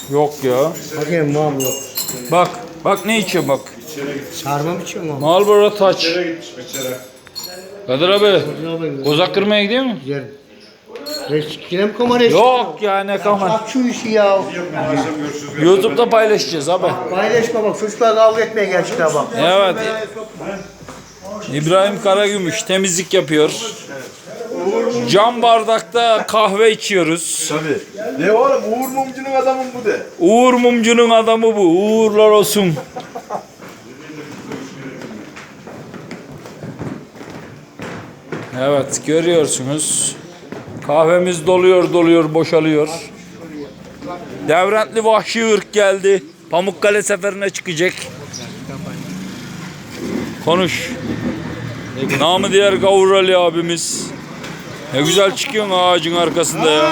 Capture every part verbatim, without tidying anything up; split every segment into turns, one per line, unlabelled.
Yok ya.
Bakayım mam yok.
Bak. Bak ne içiyor bak.
Sarma mı içiyor mam?
Marlboro Touch. Kadir abi.
Abi.
Kozak kırmaya gidiyor mu?
Güzel. Reçkine mi kameraya
Yok ya ne kaman.
Aç şu işi ya.
YouTube'da paylaşacağız abi.
Paylaşma bak. Çocuklar kavga etmeye gelmişler bak.
Evet. İbrahim Karagümüş temizlik yapıyor. Cam bardakta kahve içiyoruz.
Tabii. Ne oğlum Uğur Mumcu'nun adamın bu de.
Uğur Mumcu'nun adamı bu. Uğurlar olsun. Evet görüyorsunuz. Kahvemiz doluyor doluyor boşalıyor. Devrentli vahşi ırk geldi. Pamukkale seferine çıkacak. Konuş. Namı diğer Gavur Ali abimiz. Ne güzel çıkıyorsun ağacın arkasında ya.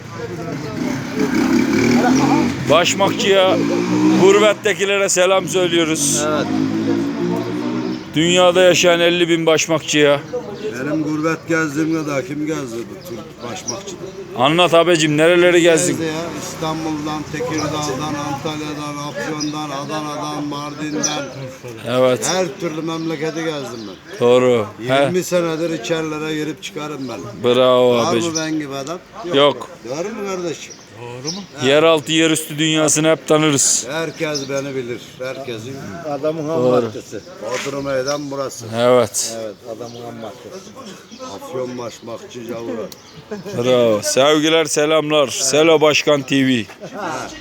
Başmakçıya, gurbettekilere selam söylüyoruz.
Evet.
Dünyada yaşayan elli bin başmakçıya.
Benim gurbet gezdiğim kadar kim gezdi bu Türk başmakçıda?
Anlat abicim nereleri gezdin?
Gezdi ya. İstanbul'dan, Tekirdağ'dan, Antalya'dan, Afyon'dan, Adana'dan, Mardin'den.
Evet
Her türlü memleketi gezdim ben.
doğru. He,
yirmi senedir içerilere girip çıkarım ben.
bravo
Var mı
abicim.
ben gibi adam?
Yok.
Doğru mu kardeşim?
Yeraltı yerüstü dünyasını hep tanırız.
Herkes beni bilir. Herkesin
Adamın ham
Doğru.
maddesi.
Bodrum meydan burası.
Evet.
Evet adamın ham maddesi.
Afyon başmakçı Cavura.
Bravo. Sevgiler selamlar. Selo Başkan T V.